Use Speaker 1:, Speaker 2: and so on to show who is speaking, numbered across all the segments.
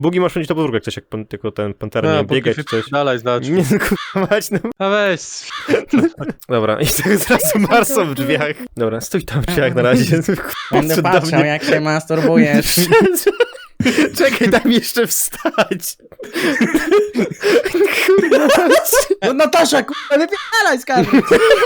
Speaker 1: Bugi masz mieć to podwórko, jak coś, jak tylko ten Pantera nie biegać czy coś.
Speaker 2: Dalej, znać.
Speaker 1: Nie, kurwa mać, no.
Speaker 2: A weź.
Speaker 1: Dobra, i tak zrazu Marso w drzwiach. Dobra, stój tam w drzwiach na razie.
Speaker 3: Będę patrzał, jak się masturbujesz.
Speaker 1: Czekaj, daj mi jeszcze wstać. Kurwa.
Speaker 3: No Natasza, kurwa, wypierdalaj z kadry.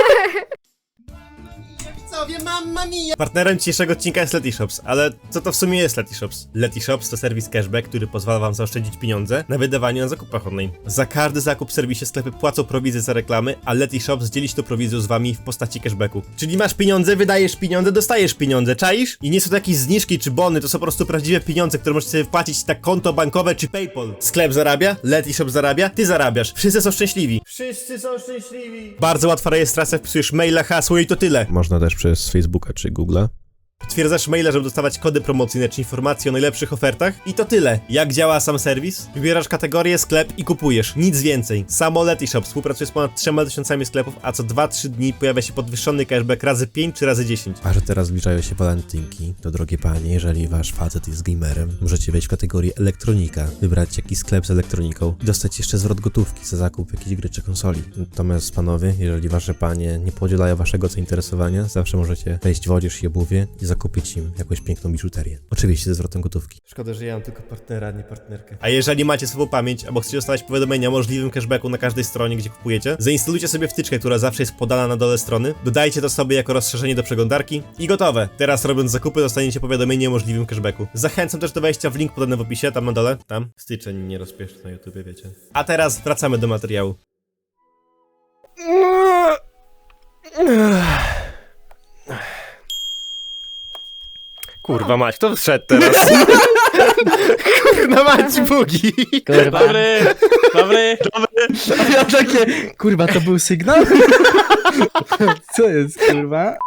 Speaker 1: Partnerem dzisiejszego odcinka jest Letyshops, ale co to w sumie jest Letyshops? Letyshops to serwis cashback, który pozwala wam zaoszczędzić pieniądze na wydawaniu na zakupach online. Za każdy zakup w serwisie sklepy płacą prowizję za reklamy, a Letyshops dzieli się tą prowizją z wami w postaci cashbacku. Czyli masz pieniądze, wydajesz pieniądze, dostajesz pieniądze, czaisz? I nie są to jakieś zniżki czy bony, to są po prostu prawdziwe pieniądze, które możesz sobie wpłacić na konto bankowe czy PayPal. Sklep zarabia, Letyshops zarabia, ty zarabiasz. Wszyscy są szczęśliwi. Wszyscy są szczęśliwi. Bardzo łatwa rejestracja, wpisujesz maila, hasło i to tyle. Można też przez Facebooka czy Google'a. Potwierdzasz maila, żeby dostawać kody promocyjne czy informacje o najlepszych ofertach i to tyle. Jak działa sam serwis? Wybierasz kategorię, sklep i kupujesz. Nic więcej. Samo Letyshops współpracuje z ponad 3000 sklepów, a co 2-3 dni pojawia się podwyższony cashback razy 5 czy razy 10. A że teraz zbliżają się walentynki, to drogie panie, jeżeli wasz facet jest gamerem, możecie wejść w kategorię elektronika, wybrać jakiś sklep z elektroniką i dostać jeszcze zwrot gotówki za zakup jakiejś gry czy konsoli. Natomiast panowie, jeżeli wasze panie nie podzielają waszego zainteresowania, zawsze możecie wejść w odzież i obuwie i zakupić im jakąś piękną biżuterię. Oczywiście ze zwrotem gotówki. Szkoda, że ja mam tylko partnera, nie partnerkę. A jeżeli macie słabą pamięć, albo chcecie dostawać powiadomienia o możliwym cashbacku na każdej stronie, gdzie kupujecie, zainstalujcie sobie wtyczkę, która zawsze jest podana na dole strony, dodajcie to sobie jako rozszerzenie do przeglądarki i gotowe. Teraz robiąc zakupy dostaniecie powiadomienie o możliwym cashbacku. Zachęcam też do wejścia w link podany w opisie, tam na dole, tam. Styczeń nie rozpieszcz na YouTubie, wiecie. A teraz wracamy do materiału. Kurwa mać, kto wszedł teraz? Kurwa mać, bugi!
Speaker 3: Kurwa.
Speaker 2: Dobry.
Speaker 3: Ja takie, kurwa, to był sygnał? Co jest, kurwa?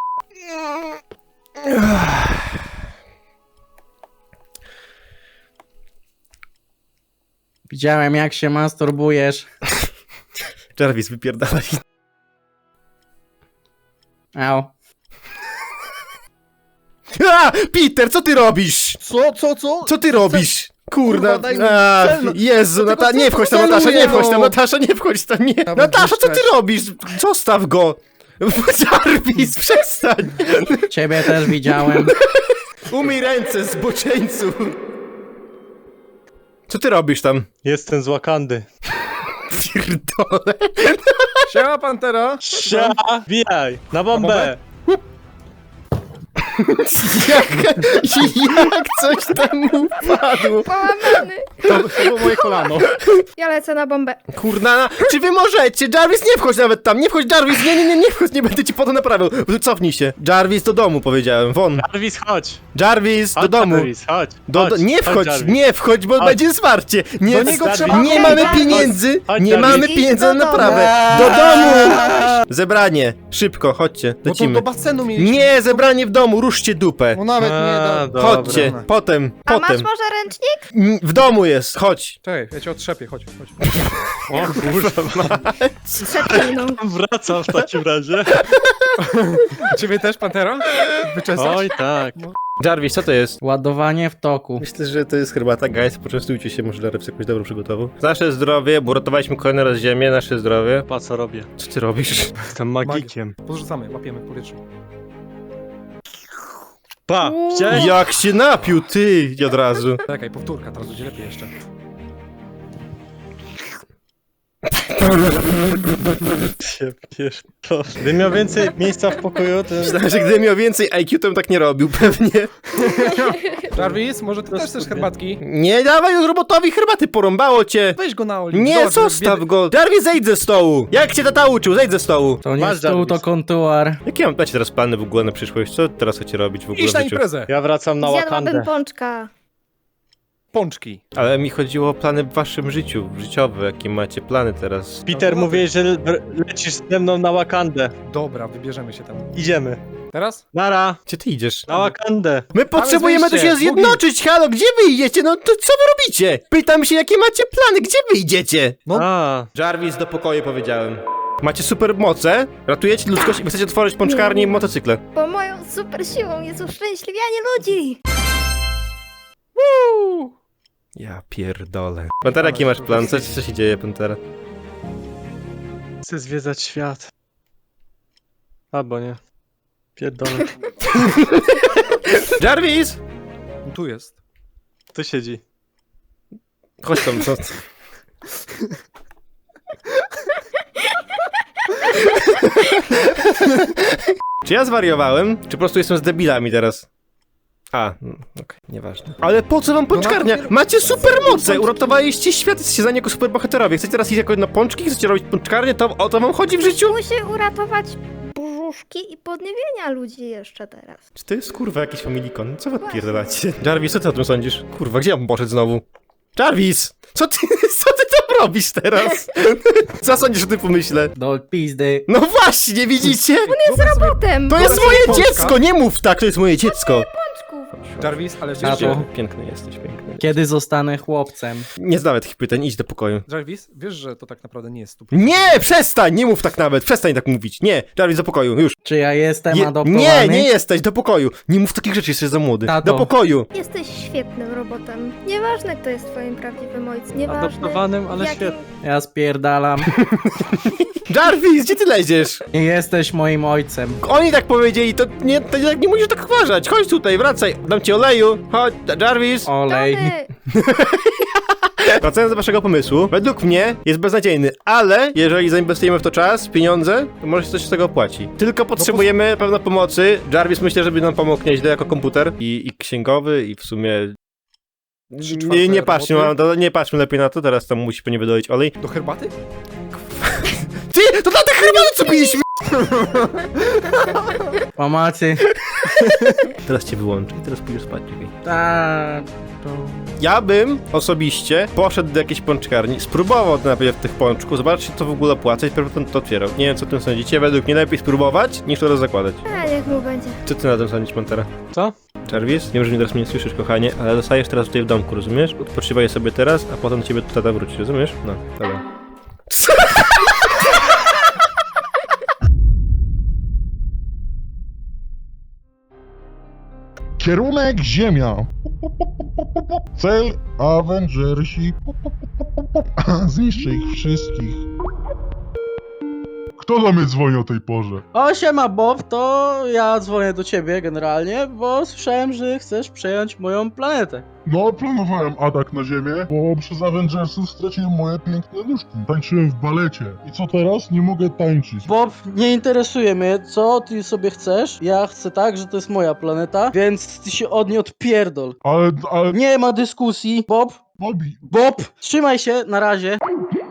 Speaker 3: Widziałem, jak się masturbujesz.
Speaker 1: Jarvis, wypierdalaj.
Speaker 3: Au.
Speaker 1: A! Peter, co ty robisz?
Speaker 4: Co?
Speaker 1: Co ty robisz? Kurna,
Speaker 4: Kurwa, daj mi
Speaker 1: a,
Speaker 4: cel, no.
Speaker 1: Jezu, nie wchodź tam, Natasza, nie wchodź tam, Natasza, nie wchodź tam, nie. Natasza, co ty robisz? Zostaw go! Jarvis, przestań!
Speaker 3: Ciebie też widziałem.
Speaker 1: Umyj ręce, zboczeńcu! Co ty robisz tam?
Speaker 2: Jestem z Wakandy.
Speaker 1: Pierdolę.
Speaker 4: Siema, Pantera!
Speaker 2: Sia! Bijaj! Na bombę!
Speaker 1: Jak coś tam upadło?
Speaker 5: Połamany.
Speaker 4: To było moje kolano.
Speaker 5: Ja lecę na bombę.
Speaker 1: Kurna, czy wy możecie? Jarvis, nie wchodź nawet tam, nie wchodź, Jarvis, nie wchodź, nie będę ci po to naprawiał. Cofnij się. Jarvis, do domu, powiedziałem, won.
Speaker 2: Jarvis, chodź!
Speaker 1: Jarvis, do
Speaker 2: Chodź,
Speaker 1: domu.
Speaker 2: Jarvis, chodź!
Speaker 1: Nie wchodź,
Speaker 2: Jarvis.
Speaker 1: nie wchodź, bo
Speaker 2: Chodź.
Speaker 1: będzie zwarcie. Nie,
Speaker 2: Do niego trzeba
Speaker 1: nie
Speaker 5: wejść.
Speaker 1: mamy
Speaker 5: Chodź,
Speaker 1: pieniędzy,
Speaker 2: chodź,
Speaker 1: nie
Speaker 2: Jarvis.
Speaker 1: mamy pieniędzy na
Speaker 5: Idź do
Speaker 1: naprawę. Do domu! Zebranie, szybko, chodźcie,
Speaker 4: No to
Speaker 1: lecimy.
Speaker 4: do basenu mieliśmy.
Speaker 1: Nie, zebranie w domu, ruszcie dupę.
Speaker 4: No nawet nie
Speaker 2: A,
Speaker 4: do...
Speaker 2: dobra.
Speaker 1: Chodźcie, potem.
Speaker 5: A masz może ręcznik?
Speaker 1: W domu jest, chodź.
Speaker 4: Czekaj, ja cię otrzepię, chodź.
Speaker 2: O kurwa,
Speaker 5: Trzepnij, no.
Speaker 2: wracam w takim razie.
Speaker 4: Ciebie też, Pantera? Wyczesać?
Speaker 2: Oj tak.
Speaker 1: Jarvis, co to jest?
Speaker 3: Ładowanie w toku.
Speaker 1: Myślę, że to jest herbata, guys, poczęstujcie się, może Larry jakąś dobrą przygotował. Nasze zdrowie, bo uratowaliśmy kolejny raz ziemię, nasze zdrowie.
Speaker 2: Pa, co robię?
Speaker 1: Co ty robisz?
Speaker 2: Jestem magikiem.
Speaker 4: Podrzucamy, łapiemy w powietrzu.
Speaker 2: Pa! Widziałeś?
Speaker 1: Jak się napił, ty, od razu.
Speaker 4: Czekaj, powtórka, teraz będzie lepiej jeszcze.
Speaker 2: Się pierdolę. Gdybym miał więcej miejsca w pokoju, to...
Speaker 1: Myślałem, że gdybym miał więcej IQ, to bym tak nie robił, pewnie.
Speaker 4: Jarvis, może ty też chcesz herbatki?
Speaker 1: Nie dawaj robotowi herbaty, porąbało cię.
Speaker 4: Weź go na oliw.
Speaker 1: Nie,
Speaker 4: Zobacz,
Speaker 1: zostaw
Speaker 4: biedy-
Speaker 1: go. Jarvis, zejdź ze stołu. Jak cię tata uczył, zejdź ze stołu.
Speaker 3: To nie
Speaker 2: Masz,
Speaker 3: stół, to
Speaker 2: Jarvis.
Speaker 3: kontuar.
Speaker 1: Jakie macie teraz plany w ogóle na przyszłość? Co teraz chcecie robić w ogóle
Speaker 4: Idź
Speaker 1: w
Speaker 4: na
Speaker 1: życiu?
Speaker 4: imprezę.
Speaker 2: Ja wracam na
Speaker 5: Zjadłabym
Speaker 2: Wakandę.
Speaker 5: pączka.
Speaker 4: Pączki.
Speaker 1: Ale mi chodziło o plany w waszym życiu, życiowe, jakie macie plany teraz.
Speaker 2: Peter, mówiłeś, że lecisz ze mną na Wakandę.
Speaker 4: Dobra, wybierzemy się tam.
Speaker 2: Idziemy.
Speaker 4: Teraz?
Speaker 2: Nara,
Speaker 1: Gdzie ty idziesz?
Speaker 2: na Wakandę.
Speaker 1: My potrzebujemy tu
Speaker 4: wyjście,
Speaker 1: się zjednoczyć, halo, gdzie wy idziecie? No to co wy robicie? Pytam się, jakie macie plany, gdzie wy idziecie?
Speaker 4: No.
Speaker 2: A,
Speaker 1: Jarvis, do pokoju powiedziałem. Macie super moce, ratujecie ludzkość i chcecie otworzyć pączkarnię i motocykle.
Speaker 5: Bo moją super siłą jest uszczęśliwianie ludzi.
Speaker 1: Ja pierdolę. Pantera, jaki masz plan? Co się dzieje, Pantera?
Speaker 2: Chcę zwiedzać świat. Albo nie. Pierdolę.
Speaker 1: Jarvis!
Speaker 4: Tu jest.
Speaker 2: Tu siedzi.
Speaker 1: Chodź tam, co? Czy ja zwariowałem? Czy po prostu jestem z debilami teraz? A, okej, nieważne. Ale po co wam pączkarnia? Macie supermoce! Uratowaliście świat, jesteście za niego superbohaterowie. Chcecie teraz iść jako na pączki? Chcecie robić pączkarnię? To o to wam chodzi w życiu?
Speaker 5: Musi uratować brzuszki i podniebienia ludzi jeszcze teraz.
Speaker 1: Czy to jest kurwa jakiś familikon? Co wy odpierdalacie? Jarvis, co ty o tym sądzisz? Kurwa, gdzie ja bym poszedł znowu? Jarvis! Co ty tam robisz teraz? Co sądzisz o tym pomyśle?
Speaker 3: Do pizdy.
Speaker 1: No właśnie, widzicie?
Speaker 5: Potem!
Speaker 1: To jest
Speaker 4: Wyobraź
Speaker 1: moje
Speaker 4: sobie pączka.
Speaker 1: dziecko! Nie mów tak, to jest moje dziecko!
Speaker 5: Pączków.
Speaker 4: Jarvis, ale wiesz,
Speaker 3: Tato.
Speaker 4: że...
Speaker 1: Piękny jesteś, piękny.
Speaker 3: Kiedy zostanę chłopcem?
Speaker 1: Nie zadawaj takich pytań, idź do pokoju.
Speaker 4: Jarvis, wiesz, że to tak naprawdę nie jest stup.
Speaker 1: Nie, przestań! Nie mów tak nawet, przestań tak mówić. Nie, Jarvis, do pokoju, już.
Speaker 3: Czy ja jestem adoptowany?
Speaker 1: Nie jesteś, do pokoju. Nie mów takich rzeczy, jesteś za młody.
Speaker 3: Tato.
Speaker 1: Do pokoju.
Speaker 5: Jesteś świetnym robotem. Nieważne, kto jest twoim prawdziwym ojcem. Nieważne,
Speaker 2: Adoptowanym, ale
Speaker 5: jakim-
Speaker 2: świetnym.
Speaker 3: Ja spierdalam.
Speaker 1: Jarvis, gdzie ty leziesz?
Speaker 3: Nie jesteś moim ojcem.
Speaker 1: Oni tak powiedzieli, to nie musisz tak uważać. Chodź tutaj, wracaj. Dam ci oleju. Chodź, Jarvis.
Speaker 3: Olej.
Speaker 5: Tony!
Speaker 1: Wracając do waszego pomysłu, według mnie jest beznadziejny, ale jeżeli zainwestujemy w to czas, pieniądze, to może się coś z tego opłaci. Tylko potrzebujemy pewno pomocy. Jarvis myślę, żeby nam pomógł nieźle jako komputer i księgowy i w sumie... Nie patrzmy lepiej na to, teraz tam musi pewnie wydoić olej.
Speaker 4: Do herbaty?
Speaker 1: Ty, to dla tych herbaty co piliśmy!
Speaker 3: Pomocy.
Speaker 1: Teraz cię wyłączę i teraz pójdziesz spać, czekaj.
Speaker 3: Tato.
Speaker 1: Ja bym osobiście poszedł do jakiejś pączkarni, spróbował najpierw tych pączków, zobaczyć co w ogóle płacę i dopiero to otwierał. Nie wiem co o tym sądzicie, według mnie lepiej spróbować niż to zakładać.
Speaker 5: A, niech mu będzie.
Speaker 1: Co ty na tym sądzisz, Pantera?
Speaker 2: Co?
Speaker 1: Jarvis? Wiem, że mnie teraz mnie nie słyszysz, kochanie, ale zostajesz teraz tutaj w domku, rozumiesz? Odpoczywaj sobie teraz, a potem do ciebie tata wróci, rozumiesz? No, dobra.
Speaker 6: Kierunek Ziemia. Cel Avengersi. Zniszczę ich wszystkich. Kto do mnie dzwoni o tej porze?
Speaker 3: O, siema Bob, to ja dzwonię do ciebie generalnie, bo słyszałem, że chcesz przejąć moją planetę.
Speaker 6: No, planowałem atak na Ziemię, bo przez Avengersów straciłem moje piękne nóżki. Tańczyłem w balecie. I co teraz? Nie mogę tańczyć.
Speaker 3: Bob, nie interesuje mnie, co ty sobie chcesz. Ja chcę tak, że to jest moja planeta, więc ty się od niej odpierdol.
Speaker 6: Ale...
Speaker 3: Nie ma dyskusji. Bob,
Speaker 6: Bobby,
Speaker 3: Bob, trzymaj się, na razie.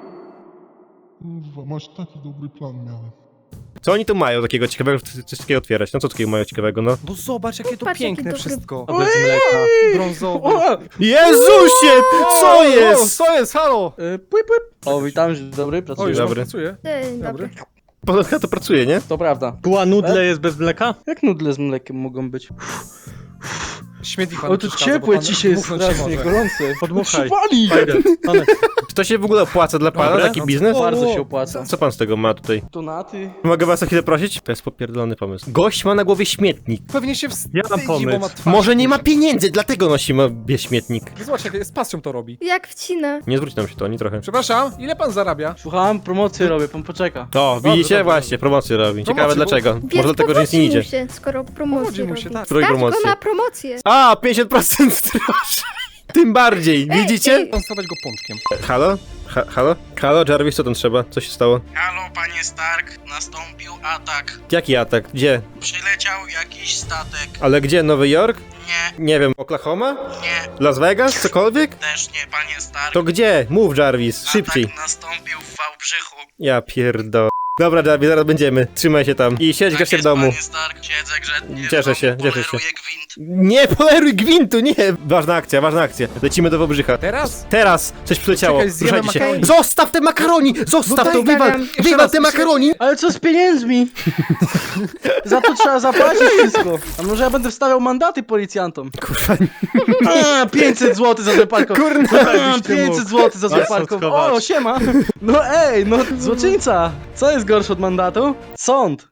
Speaker 6: kurwa, masz taki dobry plan miałem.
Speaker 1: Co oni tu mają takiego ciekawego, coś takiego otwierać? No co takiego mają ciekawego, no?
Speaker 4: No zobacz, jakie to
Speaker 5: Patrz, jaki
Speaker 4: piękne
Speaker 5: dobry-
Speaker 4: wszystko.
Speaker 3: A bez mleka.
Speaker 4: Brązowy.
Speaker 3: O,
Speaker 1: Jezusie! Co jest?
Speaker 4: Co jest? Halo!
Speaker 3: płyp. O, witam, dzień dobry,
Speaker 4: O,
Speaker 3: pracuję.
Speaker 4: już
Speaker 1: Dobry.
Speaker 4: pracuje.
Speaker 5: Dzień dobry.
Speaker 1: Podobno to pracuje, nie?
Speaker 3: To prawda.
Speaker 2: Była nudle jest bez mleka?
Speaker 3: Jak nudle z mlekiem mogą być?
Speaker 4: Śmietnik panu
Speaker 3: O, to
Speaker 4: przeszkadza, bo
Speaker 3: ciepłe
Speaker 4: pan
Speaker 3: dzisiaj jest
Speaker 4: dmuchnąć się
Speaker 3: strasznie,
Speaker 4: może.
Speaker 3: gorące.
Speaker 2: Podmuchaj.
Speaker 3: Przypali!
Speaker 2: Fajne.
Speaker 1: Czy to się w ogóle opłaca dla pana,
Speaker 4: Dobre.
Speaker 1: taki biznes?
Speaker 3: Bardzo się opłaca.
Speaker 1: Co pan z tego ma tutaj?
Speaker 3: Donaty.
Speaker 1: Mogę was o chwilę prosić? To jest popierdolony pomysł. Gość ma na głowie śmietnik.
Speaker 4: Pewnie się
Speaker 2: Ja mam
Speaker 4: wstydzi, bo ma
Speaker 2: pomysł.
Speaker 4: twarz.
Speaker 1: Może nie ma pieniędzy, dlatego nosi śmietnik.
Speaker 4: Zobacz, jak z pasją to robi.
Speaker 5: Jak wcina.
Speaker 1: Nie zwróci nam się to ani trochę.
Speaker 4: Przepraszam, ile pan zarabia?
Speaker 3: Słucham, promocję robię, pan poczeka.
Speaker 1: O, widzicie?
Speaker 4: dobrze.
Speaker 1: Właśnie, promocję robi. Ciekawe
Speaker 4: Promocję, bo-
Speaker 1: dlaczego.
Speaker 5: Więc
Speaker 1: Może dlatego, że nic nie
Speaker 5: powodzi mu
Speaker 1: idzie.
Speaker 5: się, skoro promocję
Speaker 4: Powodzi mu się,
Speaker 5: robi.
Speaker 4: tak.
Speaker 1: Której
Speaker 5: Stać
Speaker 1: promocji?
Speaker 5: go na promocję.
Speaker 1: A, 50% drożej. Tym bardziej, widzicie?
Speaker 5: ej.
Speaker 4: Pan stawać go pączkiem.
Speaker 1: Halo? Halo? Halo, Jarvis, co tam trzeba? Co się stało?
Speaker 7: Halo, panie Stark, nastąpił atak.
Speaker 1: Jaki atak? Gdzie?
Speaker 7: Przyleciał jakiś statek.
Speaker 1: Ale gdzie? Nowy Jork?
Speaker 7: Nie,
Speaker 1: Nie wiem, Oklahoma?
Speaker 7: nie,
Speaker 1: Las Vegas? Cokolwiek?
Speaker 7: też nie, panie Stark.
Speaker 1: To gdzie? Mów, Jarvis, szybciej.
Speaker 7: Atak nastąpił w Wałbrzychu.
Speaker 1: Ja pierdolę. Dobra, Jarvis, zaraz będziemy. Trzymaj się tam. I siedź
Speaker 7: Tak
Speaker 1: grzecznie w
Speaker 7: jest,
Speaker 1: domu.
Speaker 7: panie Stark, siedzę grzecznie.
Speaker 1: Cieszę
Speaker 7: w
Speaker 1: się,
Speaker 7: domu,
Speaker 1: cieszę się.
Speaker 7: poleruję gwint.
Speaker 1: Nie poleruj gwintu, nie! Ważna akcja, ważna akcja. Lecimy do Wałbrzycha.
Speaker 4: Teraz?
Speaker 1: Teraz coś przyleciało.
Speaker 4: Czekaj, zjemy
Speaker 1: Ruszajcie się.
Speaker 4: makaroni.
Speaker 1: Zostaw te makaroni! Zostaw
Speaker 4: No
Speaker 1: to!
Speaker 4: daj,
Speaker 1: Wywal!
Speaker 4: Damian, jeszcze
Speaker 1: Wywal
Speaker 4: raz,
Speaker 1: te
Speaker 4: jeszcze-
Speaker 1: makaroni!
Speaker 3: Ale co z pieniędzmi? Za to trzeba zapłacić wszystko. A może ja będę wstawiał mandaty policjantom?
Speaker 1: Kurwa,
Speaker 3: A, 500 zł za złe parkowanie.
Speaker 1: kurna!
Speaker 3: A, 500 zł za złe
Speaker 2: Masz co
Speaker 3: parkowanie.
Speaker 2: schować.
Speaker 3: O, siema. No ej, no złoczyńca. Co jest gorsze od mandatu? Sąd.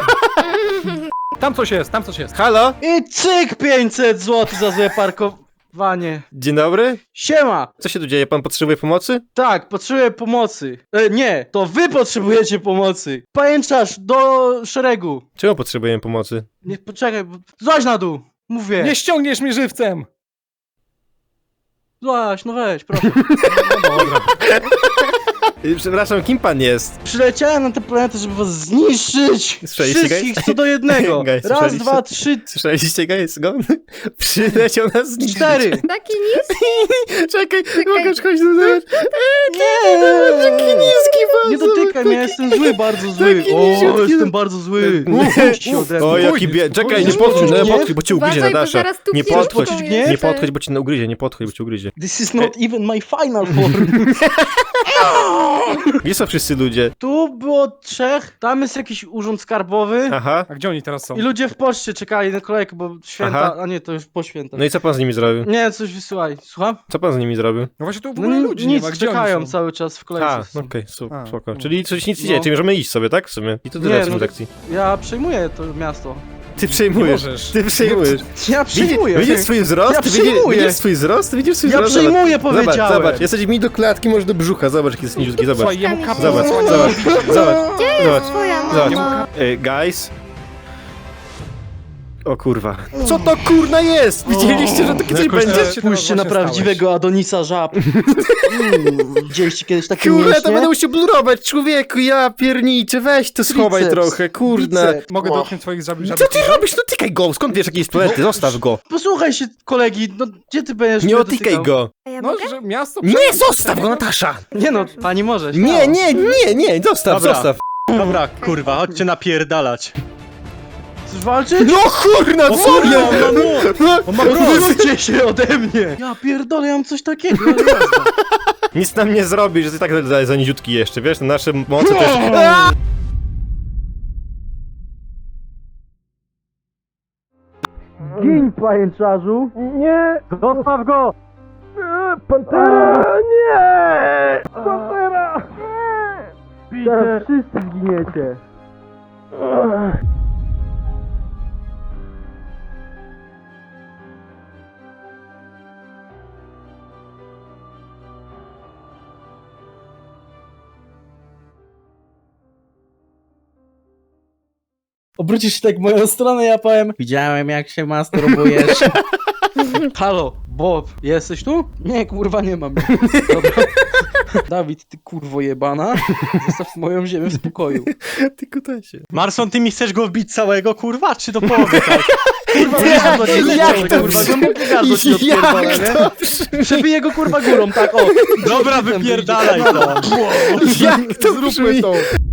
Speaker 4: Tam coś jest, tam coś jest.
Speaker 1: Halo?
Speaker 3: I cyk 500 zł za złe parkowanie. Wanie.
Speaker 1: Dzień dobry.
Speaker 3: Siema!
Speaker 1: Co się tu dzieje? Pan potrzebuje pomocy?
Speaker 3: Tak, potrzebuję pomocy. Nie, to wy potrzebujecie pomocy. Pajęczasz, do szeregu.
Speaker 1: Czemu potrzebujemy pomocy?
Speaker 3: Nie, poczekaj, złaź na dół. Mówię.
Speaker 4: Nie ściągniesz mnie żywcem!
Speaker 3: Złaź, no weź, proszę.
Speaker 1: Przepraszam, kim pan jest?
Speaker 3: Przyleciałem na tę planetę, żeby was zniszczyć.
Speaker 1: Słyszeliście,
Speaker 3: Wszystkich
Speaker 1: guys?
Speaker 3: co do jednego.
Speaker 1: Guys,
Speaker 3: Raz,
Speaker 1: słyszeliście?
Speaker 3: dwa, trzy,
Speaker 1: Słyszeliście go? Jest go? Przyleciał nas zniszczyć.
Speaker 3: 4.
Speaker 5: Taki niski?
Speaker 1: Czekaj, mogę chodź do nas.
Speaker 3: Nie,
Speaker 1: niski pan.
Speaker 3: nie dotykaj mnie, jestem zły, bardzo zły.
Speaker 1: taki
Speaker 3: O,
Speaker 1: niziutki.
Speaker 3: jestem bardzo zły. Puść się ode mnie.
Speaker 1: O, jaki Czekaj, nie
Speaker 3: Oj,
Speaker 1: podchodź,
Speaker 3: nie.
Speaker 1: nie podchodź, bo cię ugryzie,
Speaker 5: Uważaj, bo
Speaker 1: Natasza.
Speaker 5: zaraz tu
Speaker 1: Nie
Speaker 5: piłką
Speaker 1: podchodź,
Speaker 3: jeszcze.
Speaker 1: nie podchodź, bo cię ugryzie, nie podchodź, bo cię ugryzie.
Speaker 3: This is not even my final form.
Speaker 1: Gdzie są wszyscy ludzie?
Speaker 3: Tu było 3, tam jest jakiś urząd skarbowy.
Speaker 1: Aha.
Speaker 4: A gdzie oni teraz są?
Speaker 3: I ludzie w poczcie czekali na kolejkę, bo święta,
Speaker 1: Aha.
Speaker 3: a nie, to już po świętach.
Speaker 1: No i co pan z nimi zrobił?
Speaker 3: Nie, coś wysyłaj. Słucham?
Speaker 1: Co pan z nimi zrobił?
Speaker 4: No właśnie tu w
Speaker 3: No
Speaker 4: ogóle ludzi nie
Speaker 3: nic,
Speaker 4: ma, gdzie
Speaker 3: czekają
Speaker 4: oni są?
Speaker 3: cały czas w kolejce.
Speaker 1: A,
Speaker 3: są.
Speaker 1: okej,
Speaker 4: A,
Speaker 1: spoko.
Speaker 4: no.
Speaker 1: Czyli coś nic nie
Speaker 3: No.
Speaker 1: dzieje, czyli możemy iść sobie, tak? W sumie. I to tyle
Speaker 3: Nie,
Speaker 1: w sumie
Speaker 3: no.
Speaker 1: lekcji.
Speaker 3: Ja przejmuję to miasto.
Speaker 1: Ty
Speaker 4: Nie
Speaker 1: przejmujesz.
Speaker 4: możesz.
Speaker 1: Ty przejmujesz.
Speaker 3: Ja przejmuję.
Speaker 1: Widzisz swój wzrost?
Speaker 3: Ja
Speaker 1: Ty
Speaker 3: przejmuję.
Speaker 1: Widzisz swój wzrost? Widzisz swój
Speaker 3: Ja
Speaker 1: wzrost?
Speaker 3: przejmuję,
Speaker 1: Zobacz,
Speaker 3: powiedziałem.
Speaker 1: zobacz. Jesteś mi do klatki, może do brzucha. Zobacz, jaki jest niziutki, zobacz.
Speaker 4: Słuchaj, jemu
Speaker 5: Zobacz,
Speaker 4: kapę
Speaker 1: Zobacz,
Speaker 4: zasłania.
Speaker 1: zobacz. Zobacz.
Speaker 5: Twoja
Speaker 1: Zobacz.
Speaker 5: mama.
Speaker 1: Guys. O kurwa. Co to kurna jest? Widzieliście, że to kiedyś
Speaker 4: jakoś
Speaker 1: będzie?
Speaker 4: teraz się
Speaker 3: Spójrzcie na
Speaker 4: właśnie
Speaker 3: prawdziwego Adonisa żab. Widzieliście kiedyś takie
Speaker 1: Kurde,
Speaker 3: mięśnie?
Speaker 1: to będę musiał blurować, człowieku, ja pierniczę, weź to schowaj
Speaker 3: Triceps,
Speaker 1: trochę, kurna.
Speaker 3: biceps.
Speaker 4: Mogę dotknąć twoich żabi.
Speaker 1: Co ty robisz? No tykaj go, skąd wiesz, jaki jest planety? Zostaw go.
Speaker 3: Posłuchaj się, kolegi, no gdzie ty będziesz
Speaker 1: Nie
Speaker 3: mnie
Speaker 1: otykaj
Speaker 3: dotykał?
Speaker 1: go.
Speaker 5: A ja
Speaker 4: No,
Speaker 5: mogę?
Speaker 4: że miasto...
Speaker 1: Nie, zostaw go, Natasza.
Speaker 3: Nie no, pani może.
Speaker 1: Nie, nie, zostaw,
Speaker 2: Dobra.
Speaker 1: zostaw.
Speaker 2: Dobra, kurwa, chodźcie napierdalać.
Speaker 3: Chcesz walczyć?
Speaker 1: No kurna,
Speaker 2: O
Speaker 1: co
Speaker 2: kurwa,
Speaker 1: ja?
Speaker 2: on ma nóż! On ma broń!
Speaker 3: Odwróćcie się ode mnie! Ja pierdolę, ja mam coś takiego.
Speaker 1: Nic nam nie zrobisz, że ty tak za niziutki jeszcze, wiesz, nasze moce też... Aaa!
Speaker 3: Gin, pajęczarzu! Nie! Zostaw go! Pantera! Nie! Pantera! Teraz wszyscy zginiecie! Obrócisz się tak w moją stronę, ja powiem: widziałem, jak się masturbujesz. Halo, Bob, jesteś tu? Nie, kurwa, nie mam. Dobra. Dawid, ty kurwo jebana, zostaw moją ziemię w spokoju.
Speaker 1: Ty kutasie.
Speaker 2: Marson, ty mi chcesz go wbić całego, kurwa, czy do połowy, tak?
Speaker 3: Kurwa, gardło ci
Speaker 1: jak
Speaker 3: odciąłem,
Speaker 1: to
Speaker 3: kurwa,
Speaker 1: brzmi?
Speaker 3: głębokie gardło ci odpierdolę,
Speaker 1: Jak
Speaker 3: nie?
Speaker 1: to brzmi?
Speaker 3: Przebiję go kurwa górą, tak o.
Speaker 2: Dobra, wypierdalaj to!
Speaker 1: Jak to brzmi?
Speaker 3: to.